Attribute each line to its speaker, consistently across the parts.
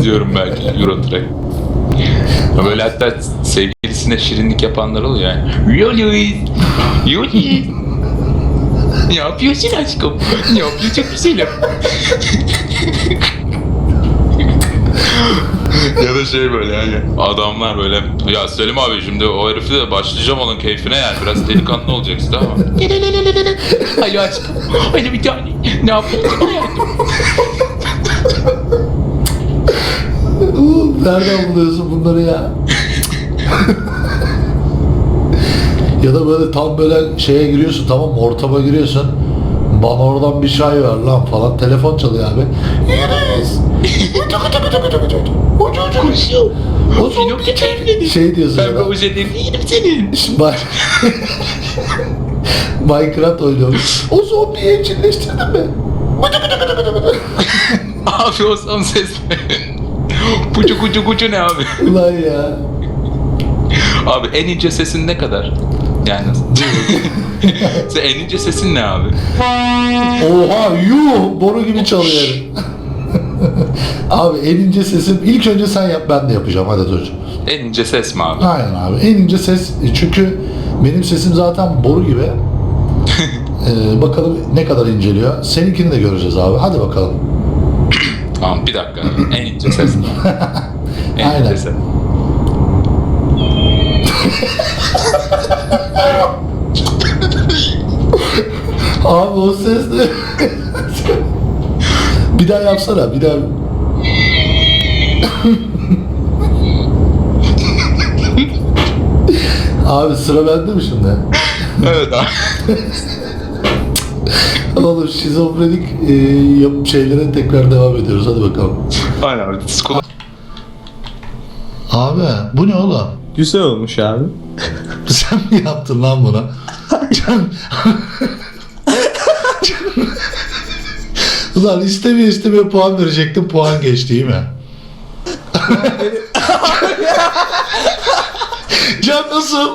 Speaker 1: izliyorum belki Euro Truck. Böyle hatta sevgilisine şirinlik yapanlar oluyor yani. Yoli. Ne yapıyorsun aşkım? Ne yapıyorsun güzelim? Ya da şey böyle yani adamlar böyle ya Selim abi şimdi o herifi de başlayacağım onun keyfine yani biraz delikanlı olacaksın tamam mı? Alo aşkım. Alo bir tane. Ne yapıyorsun hayatım?
Speaker 2: Nereden buluyorsun bunları ya? Ya da böyle tam böyle şeye giriyorsun, tamam mı? Ortama giriyorsun. Bana oradan bir çay ver lan falan. Telefon çalıyor abi. Yeriz.
Speaker 1: Koşuyor.
Speaker 2: O
Speaker 1: Pinokyo keyifledi.
Speaker 2: şey diyorsun
Speaker 1: Ben
Speaker 2: ya.
Speaker 1: bu özelliğini yedim senin.
Speaker 2: Minecraft oynuyorum. O zombiyi evcilleştirdin mi?
Speaker 1: Abi o son ses ne? Pucu kucu kucu ne abi?
Speaker 2: Ulan ya.
Speaker 1: Abi en ince sesin ne kadar? Yani sen en ince sesin ne abi?
Speaker 2: Oha yuh boru gibi çalıyor. Abi en ince sesim ilk önce sen yap, ben de yapacağım, hadi dur.
Speaker 1: En ince ses mi abi?
Speaker 2: Aynen abi en ince ses, çünkü benim sesim zaten boru gibi. Bakalım ne kadar inceliyor. Seninkini de göreceğiz abi, hadi bakalım.
Speaker 1: Tamam bir dakika. En ince ses mi? En
Speaker 2: Aynen.
Speaker 1: ince ses.
Speaker 2: Abi o ses ne? Bir daha yapsana, bir daha. Abi sıra bende mi şimdi?
Speaker 1: Evet abi.
Speaker 2: Oğlum şizofrenik şeylere tekrar devam ediyoruz, hadi bakalım.
Speaker 1: Aynen abi. Skula.
Speaker 2: Abi bu ne oğlum?
Speaker 3: Güzel olmuş abi.
Speaker 2: Sen mi yaptın lan bunu? Ulan istemeye puan verecektim, puan geçti değil mi? Can nasıl?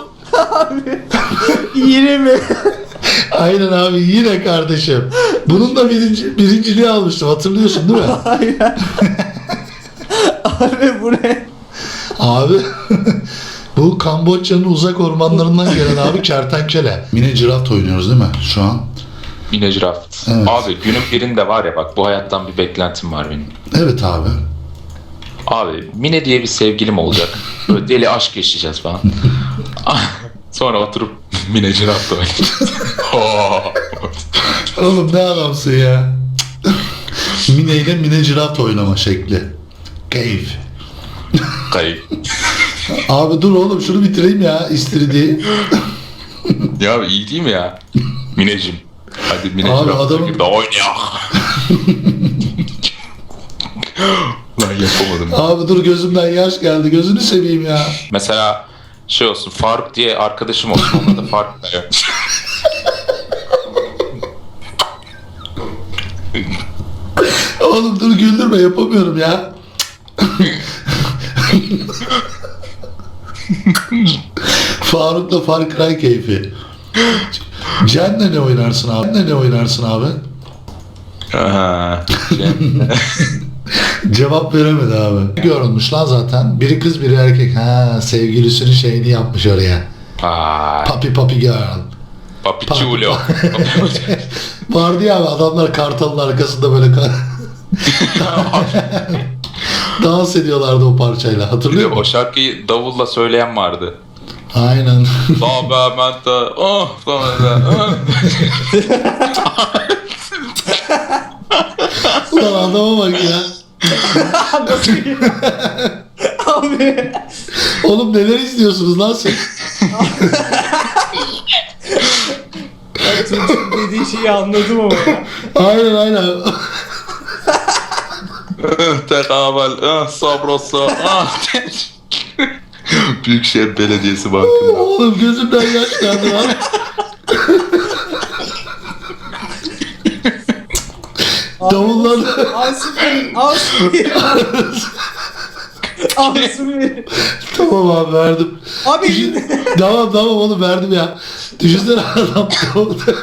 Speaker 3: Yine mi?
Speaker 2: Aynen abi, yine kardeşim. Bunun da birinciliği almıştım, hatırlıyorsun değil mi?
Speaker 3: Aynen. Abi bu ne?
Speaker 2: Abi bu Kamboçya'nın uzak ormanlarından gelen abi kertenkele. Mini Giraffe oynuyoruz değil mi şu an?
Speaker 1: Yine Giraffe.
Speaker 2: Evet.
Speaker 1: Abi günün birinde var ya bak bu hayattan bir beklentim var benim.
Speaker 2: Evet abi.
Speaker 1: Abi Mine diye bir sevgilim olacak. Böyle deli aşk yaşayacağız falan. Sonra oturup Mine Giraffe oynayacağız.
Speaker 2: Oğlum ne adamsın ya. Mine ile Mine Giraffe oynama şekli. Keyif.
Speaker 1: Kayıp.
Speaker 2: Abi dur oğlum şunu bitireyim ya istiridiği.
Speaker 1: Ya iyi değil mi ya? Mineciğim. Hadi Mine
Speaker 2: Abi
Speaker 1: Giraffe
Speaker 2: adamın-
Speaker 1: gibi oynayak. Lan yapamadım.
Speaker 2: Abi dur gözümden yaş geldi, gözünü seveyim ya.
Speaker 1: Mesela şey olsun Faruk diye arkadaşım olsun onunla da Faruk da yok.
Speaker 2: Oğlum dur güldürme, yapamıyorum ya. Faruk'la Far Cry keyfi. Cen'le ne oynarsın abi? Cen'le ne oynarsın abi?
Speaker 1: Aha,
Speaker 2: Cevap veremedi abi. Görünmüş lan zaten. Biri kız biri erkek. Ha, sevgilisinin şeyini yapmış oraya.
Speaker 1: Ay,
Speaker 2: Papi girl.
Speaker 1: papichulo.
Speaker 2: Vardı ya abi, adamlar kartalın arkasında böyle dans ediyorlardı o parçayla. Hatırlıyor
Speaker 1: O
Speaker 2: musun?
Speaker 1: şarkıyı davulla söyleyen vardı.
Speaker 2: Aynen.
Speaker 1: Baba menta oh falan.
Speaker 2: Ulan adama bak ya.
Speaker 3: Abi.
Speaker 2: Oğlum neler izliyorsunuz lan siz?
Speaker 3: Ben çocuk dediği şeyi anladım ama ya.
Speaker 2: Aynen.
Speaker 1: Tekabel sabrosa. Büyükşehir Belediyesi Bankı'nda.
Speaker 2: Oğlum gözümden yaş geldi lan. Davullar.
Speaker 3: Alsın beni. Alsın beni.
Speaker 2: Tamam abi verdim.
Speaker 3: Abi.
Speaker 2: Tamam oğlum verdim ya. Düşünsene adam davulda.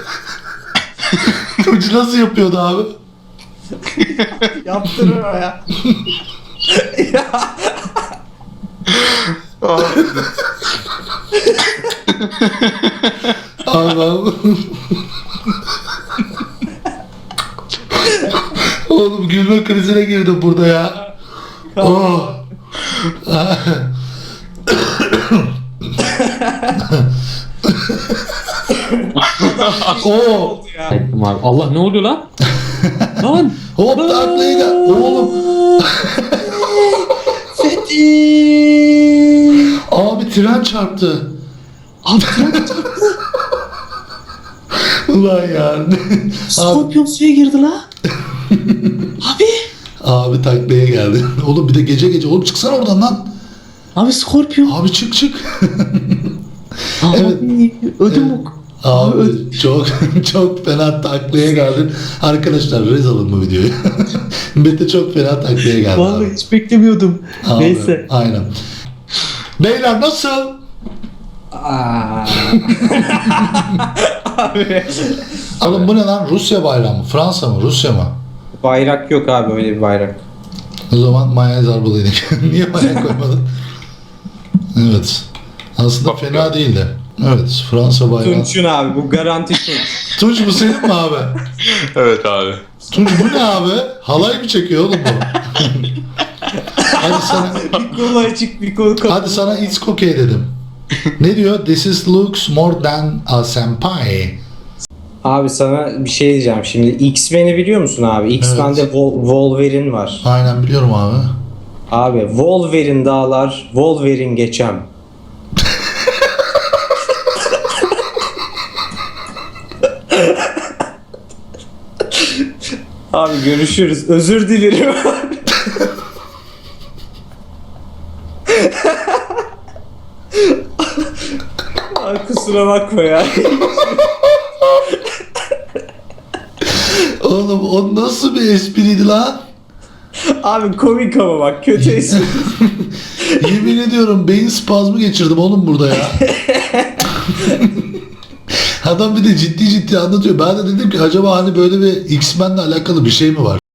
Speaker 2: Ucu nasıl yapıyordu abi?
Speaker 3: Yaptırma ya.
Speaker 2: Abi ben... Oğlum gülme krizine girdim burada ya. Oh. Oh.
Speaker 3: Ettim abi. Allah ne oluyor lan? Lan.
Speaker 2: Hop taklaya gel. Oğlum.
Speaker 3: Fethi.
Speaker 2: Abi tren çarptı.
Speaker 3: Abi tren çarptı.
Speaker 2: Ulan ya. Abi,
Speaker 3: Skorpion suya girdi la. Abi.
Speaker 2: abi taklaya geldi. Oğlum bir de gece gece. Oğlum çıksana oradan lan.
Speaker 3: Abi Skorpion.
Speaker 2: Abi çık çık.
Speaker 3: Abi
Speaker 2: Evet.
Speaker 3: ödüm bok.
Speaker 2: Abi çok çok fena taklaya geldin. Arkadaşlar rez alın bu videoyu. Mete çok fena taklaya geldi.
Speaker 3: Vallahi
Speaker 2: abi.
Speaker 3: hiç beklemiyordum.
Speaker 2: Abi,
Speaker 3: Neyse.
Speaker 2: Aynen. Beyler nasıl?
Speaker 3: Aa. Abi.
Speaker 2: Oğlum bu ne lan? Rusya bayrağı mı? Fransa mı? Rusya mı?
Speaker 3: Bayrak yok abi, öyle bir bayrak.
Speaker 2: O zaman mayonez arbalıydık. Niye mayonez koymadın? Evet. Aslında fena değildi. Evet. Fransa bayrağı.
Speaker 3: Tunç'un abi, bu garanti Tunç.
Speaker 2: Tunç bu senin mi abi?
Speaker 1: Evet abi.
Speaker 2: Tunç bu ne abi? Halay mı çekiyor oğlum bu? Hadi sana,
Speaker 3: Bir kolu açık, bir kolu kapalı.
Speaker 2: hadi sana it's okay dedim. Ne diyor? This is looks more than a senpai.
Speaker 3: Abi sana bir şey diyeceğim şimdi. X-Men'i biliyor musun abi? X-Men'de Wolverine var.
Speaker 2: Aynen biliyorum abi.
Speaker 3: Abi Wolverine dağlar, Wolverine geçem. Abi görüşürüz. Özür dilerim. Abi kusura bakma ya.
Speaker 2: Oğlum o nasıl bir espriydi lan?
Speaker 3: Abi komik ama bak, kötü espri.
Speaker 2: Yemin ediyorum beyin spazmı geçirdim oğlum burada ya. Adam bir de ciddi ciddi anlatıyor. Ben de dedim ki acaba hani böyle bir X-Men'le alakalı bir şey mi var?